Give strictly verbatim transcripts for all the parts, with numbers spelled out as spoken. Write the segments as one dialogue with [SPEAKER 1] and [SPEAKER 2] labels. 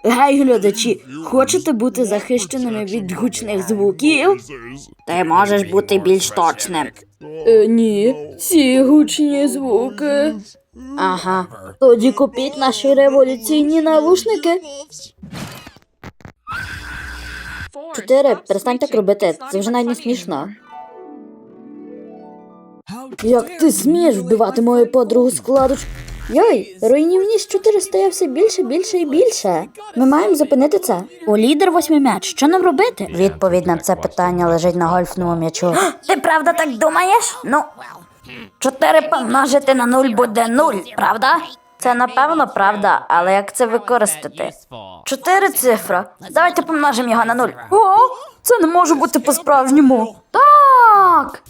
[SPEAKER 1] Гей, глядачі, хочете бути захищеними від гучних звуків?
[SPEAKER 2] Ти можеш бути більш точним.
[SPEAKER 1] Е, ні, ці гучні звуки.
[SPEAKER 2] Ага.
[SPEAKER 1] Тоді купіть наші революційні навушники. Чотири, перестань так робити, це вже навіть не смішно. Як ти смієш вбивати мою подругу складу? Йой, руйнівність чотири стає все більше, більше і більше. Ми маємо зупинити це. У лідер восьмий м'яч, що нам робити?
[SPEAKER 2] Відповідь на це питання лежить на гольфному м'ячу. Ти правда так думаєш? Ну, чотири помножити на нуль буде нуль, правда? Це напевно правда, але як це використати? Чотири цифра. Давайте помножимо його на нуль.
[SPEAKER 1] О, це не може бути по-справжньому.
[SPEAKER 2] Так!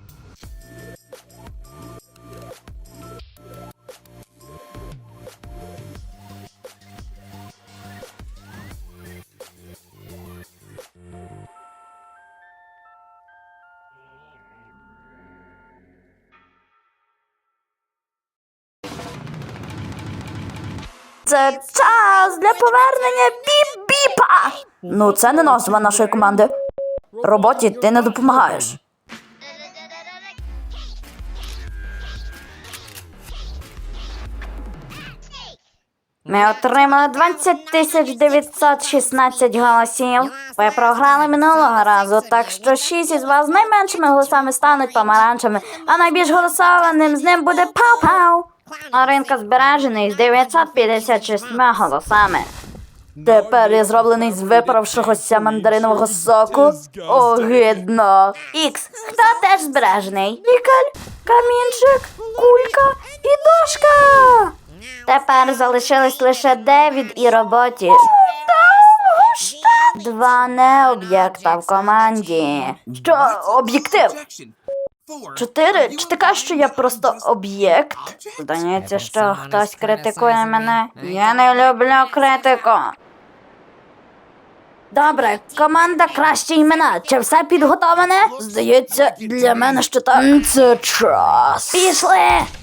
[SPEAKER 2] Це час для повернення біп-біпа! Ну, це не назва нашої команди. Роботі ти не допомагаєш. Ми отримали двадцять тисяч дев'ятсот шістнадцять голосів. Ви програли минулого разу, так що шість із вас з найменшими голосами стануть помаранчами, а найбільш голосованим з ним буде Пау-Пау. Маринка збережений з дев'ятсот п'ятдесят шістьма голосами. Тепер я зроблений з випаравшогося мандаринового соку. Огидно. Ікс, хто теж збережений? Нікель, камінчик, кулька і дошка. Тепер залишились лише Девід і роботі. Два не-об'єкта в команді. Що, об'єктив? Чотири? Чи ти кажеш, що я просто об'єкт? Здається, що хтось критикує мене. Я не люблю критику. Добре, команда кращі імена. Чи все підготовлене? Здається, для мене що так. Це час. Пішли!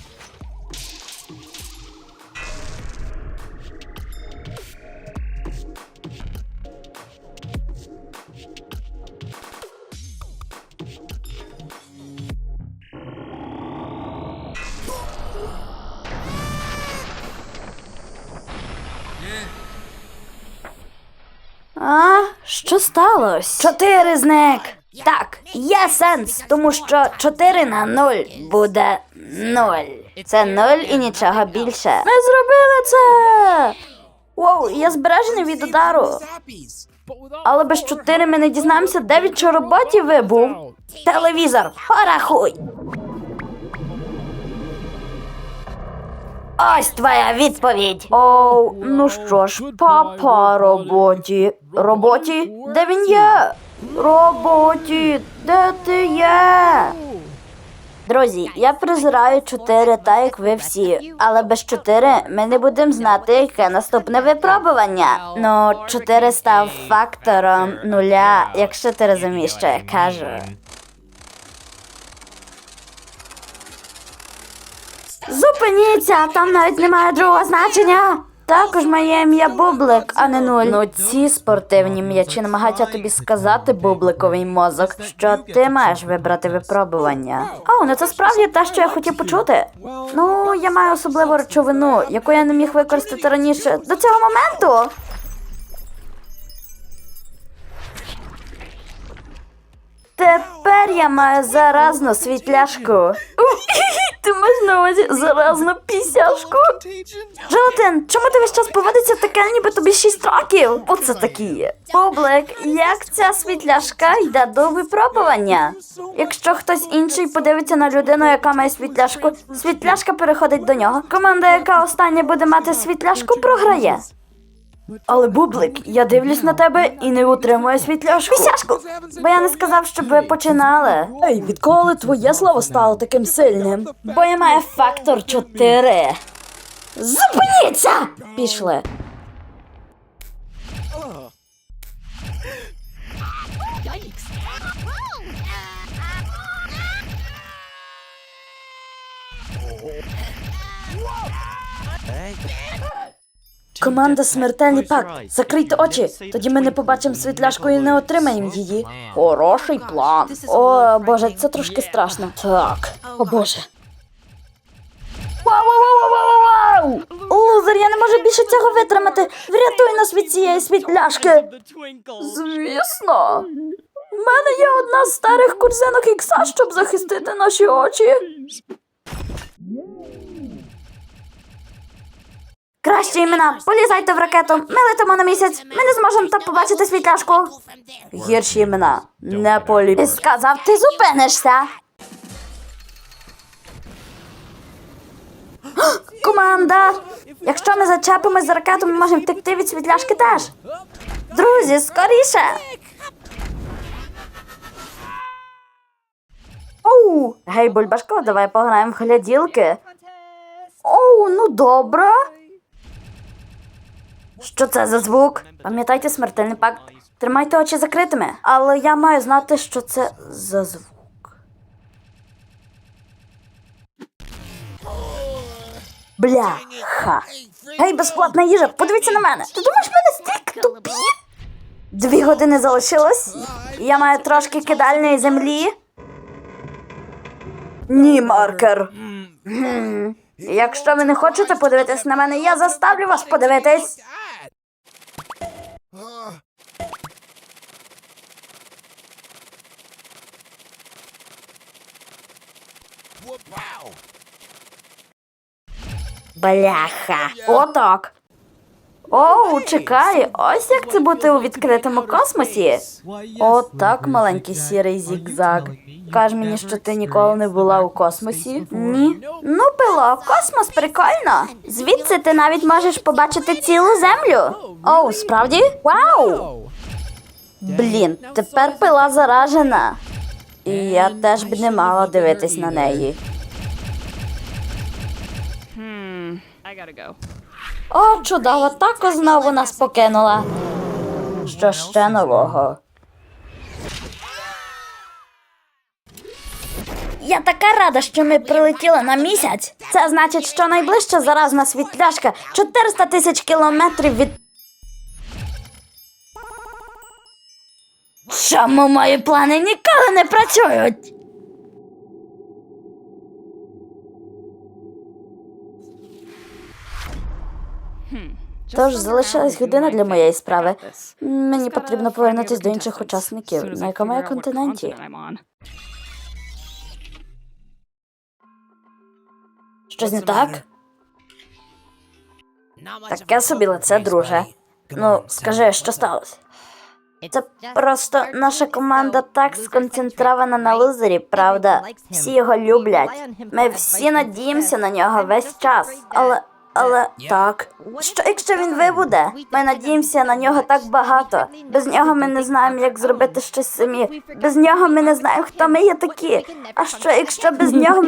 [SPEAKER 2] А, що сталося? Чотири зник. Так, є сенс, тому що чотири на нуль буде нуль. Це нуль і нічого більше. Ми зробили це! Воу, я збережений від удару. Але без чотири ми не дізнаємося, де від чи роботі вибув. Телевізор, порахуй. Ось твоя відповідь. Оу, ну що ж, папа роботі. Роботі? Де він є? Роботі, де ти є? Друзі, я презираю чотири, так як ви всі. Але без чотири ми не будемо знати, яке наступне випробування. Ну, чотири став фактором нуля, якщо ти розумієш, що я кажу. Зупиніться, там навіть немає другого значення. Також моє ім'я Бублик, а не нуль. Ну ці спортивні м'ячі намагаються тобі сказати, бубликовий мозок, що ти маєш вибрати випробування. О, ну це справді те, що я хотів почути. Ну, я маю особливу речовину, яку я не міг використати раніше до цього моменту. Тепер я маю заразну світляшку. Ти маєш на увазі заразну пісяшку? Желатин, чому ти весь час поводиться таке, ніби тобі шість років? Оце такі. Бублик, як ця світляшка йде до випробування? Якщо хтось інший подивиться на людину, яка має світляшку, світляшка переходить до нього. Команда, яка остання буде мати світляшку, програє. Але, Бублик, я дивлюсь на тебе і не утримую світляшку. Пісяшку! Бо я не сказав, щоб ви починали.
[SPEAKER 1] Ей, відколи твоє слово стало таким сильним?
[SPEAKER 2] Бо я маю фактор чотири. Зупиніться! Пішли.
[SPEAKER 1] Команда «Смертельний пакт». Закрийте очі, тоді ми не побачимо світляшку і не отримаємо її. Хороший план. О, Боже, це трошки страшно. Так, о Боже. Вау-вау-вау-вау-вау! Лузер, я не можу більше цього витримати. Врятуй нас від цієї світляшки. Звісно. У мене є одна з старих курзинок ікса, щоб захистити наші очі.
[SPEAKER 2] Кращі імена. Полізайте в ракету. Ми летимо на місяць. Ми не зможемо там побачити світляшку.
[SPEAKER 1] Гірші імена. Не полі...
[SPEAKER 2] Ти сказав, ти зупинишся. Команда! Якщо ми зачепимось за ракету, ми можемо втекти від світляшки теж. Друзі, скоріше! Оу! Гей, Бульбашко, давай пограємо в гляділки. Оу, ну добре. Що це за звук? Пам'ятайте смертельний пакт. Тримайте очі закритими. Але я маю знати, що це за звук. Бляха. Гей, безплатна їжа, подивіться на мене. Ти думаєш, ми настільки тупі? Дві години залишилось. Я маю трошки кидальної землі. Ні, маркер. Гм. Якщо ви не хочете подивитись на мене, я заставлю вас подивитись. Бляха. Отак. Оу, чекай, ось як це бути у відкритому космосі. Отак, маленький сірий зігзаг. Каж мені, що ти ніколи не була у космосі? Ні. Ну, пило, космос прикольно. Звідси ти навіть можеш побачити цілу землю. Оу, справді? Вау! Блін, тепер пила заражена. І я теж б не мала дивитись на неї.
[SPEAKER 3] I gotta go.
[SPEAKER 2] О, чудово, тако знову нас покинула. Що ще нового? Я така рада, що ми прилетіли на місяць. Це значить, що найближча заразна світляшка чотириста тисяч кілометрів від... Чому мої плани ніколи не працюють? Тож залишилась година для моєї справи. Мені потрібно повернутися до інших учасників. На якому я континенті? Щось не так? Таке собі лице, друже. Ну, скажи, що сталося? Це просто наша команда так сконцентрована на лузері, правда? Всі його люблять. Ми всі надіємося на нього весь час. Але... Але так. Що якщо він вибуде? Ми надіємося на нього так багато. Без нього ми не знаємо, як зробити щось самі. Без нього ми не знаємо, хто ми є такі. А що якщо без нього...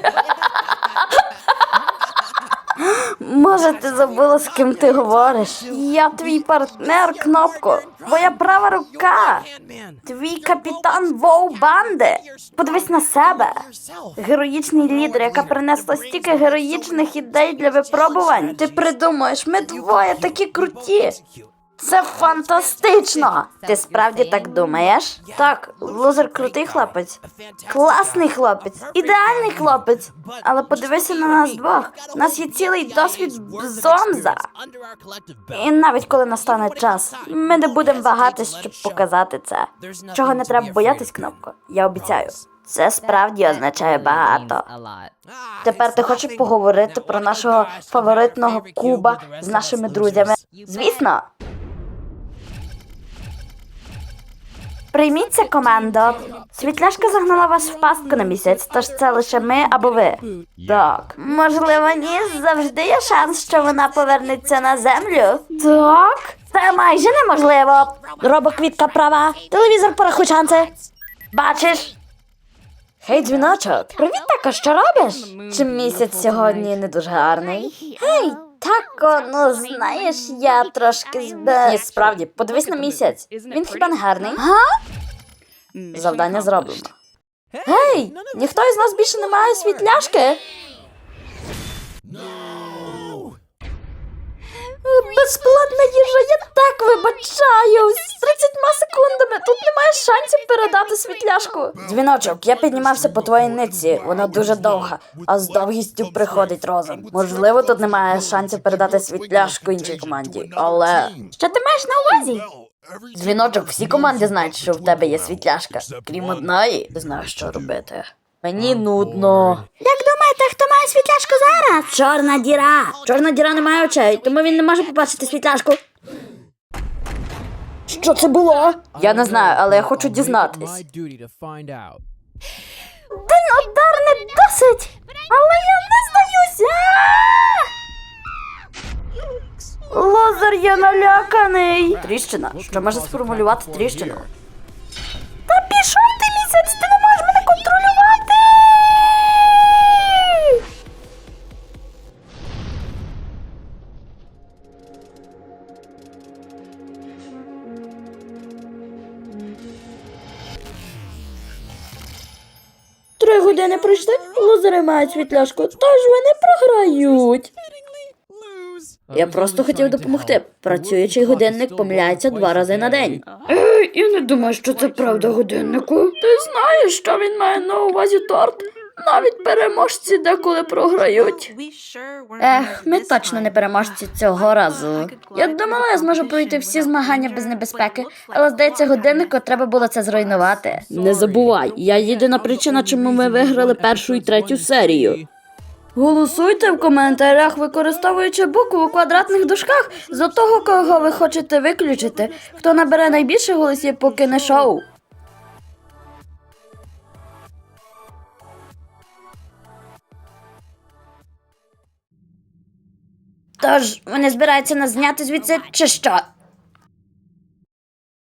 [SPEAKER 2] Може, ти забула, з ким ти говориш? Я твій партнер, Кнопко. Твоя права рука. Твій капітан Воу-банди. Подивись на себе. Героїчний лідер, яка принесла стільки героїчних ідей для випробувань. Ти придумаєш, ми двоє такі круті. Це фантастично! Ти справді так думаєш? Так, лузер крутий хлопець. Класний хлопець. Ідеальний хлопець. Але подивися на нас двох. У нас є цілий досвід Зомза. І навіть коли настане час, ми не будемо вагатись, щоб показати це. Чого не треба боятись, Кнопко? Я обіцяю. Це справді означає багато. Тепер ти хочеш поговорити про нашого фаворитного куба з нашими друзями? Звісно. Прийміться, командо. Світляшка загнала вас в пастку на місяць, тож це лише ми або ви. Так. Можливо, ні, завжди є шанс, що вона повернеться на землю. Так? Це майже неможливо. Робоквітка права. Телевізор порахуй шанси. Бачиш? Гей, дзвіночок. Привіт, тако, що робиш? Чи місяць сьогодні не дуже гарний? Гей, тако, ну знаєш, я трошки збе... Ні, справді, подивись на місяць. Він хіба не гарний? Га? Завдання зроблено. Гей, ніхто із нас більше не має світляшки?
[SPEAKER 1] Безплатна їжа, я так вибачаюсь. З тридцятьма секундами тут немає шансів передати світляшку.
[SPEAKER 2] Дзвіночок, я піднімався по твоїй нитці, вона дуже довга, а з довгістю приходить розум. Можливо, тут немає шансів передати світляшку іншій команді, але...
[SPEAKER 1] Що ти маєш на увазі?
[SPEAKER 2] Дзвіночок, всі команди знають, що в тебе є світляшка. Крім одної, ти знаєш, що робити. Мені нудно.
[SPEAKER 1] Як думаєте, хто має світляшку зараз?
[SPEAKER 2] Чорна діра! Чорна діра не має очей, тому він не може побачити світляшку. Що це було? Я не знаю, але я хочу дізнатись.
[SPEAKER 1] Один удар не досить, але я не здаюся. Лозер, я наляканий.
[SPEAKER 2] Тріщина? Що може сформулювати тріщину?
[SPEAKER 1] Та пішов ти місяць, ти не можеш мене контролювати. Три години пройшли, лозери мають світляшку, тож вони програють.
[SPEAKER 2] Я просто хотів допомогти. Працюючий годинник помиляється два рази на день.
[SPEAKER 1] Ей, я не думаю, що це правда годиннику. Ти знаєш, що він має на увазі торт? Навіть переможці деколи програють.
[SPEAKER 2] Ех, ми точно не переможці цього разу. Я думала, я зможу пройти всі змагання без небезпеки, але, здається, годиннику треба було це зруйнувати.
[SPEAKER 1] Не забувай, я єдина причина, чому ми виграли першу і третю серію. Голосуйте в коментарях, використовуючи букву у квадратних дужках за того, кого ви хочете виключити. Хто набере найбільше голосів, покине шоу.
[SPEAKER 2] Тож, вони збираються нас зняти звідси, чи що?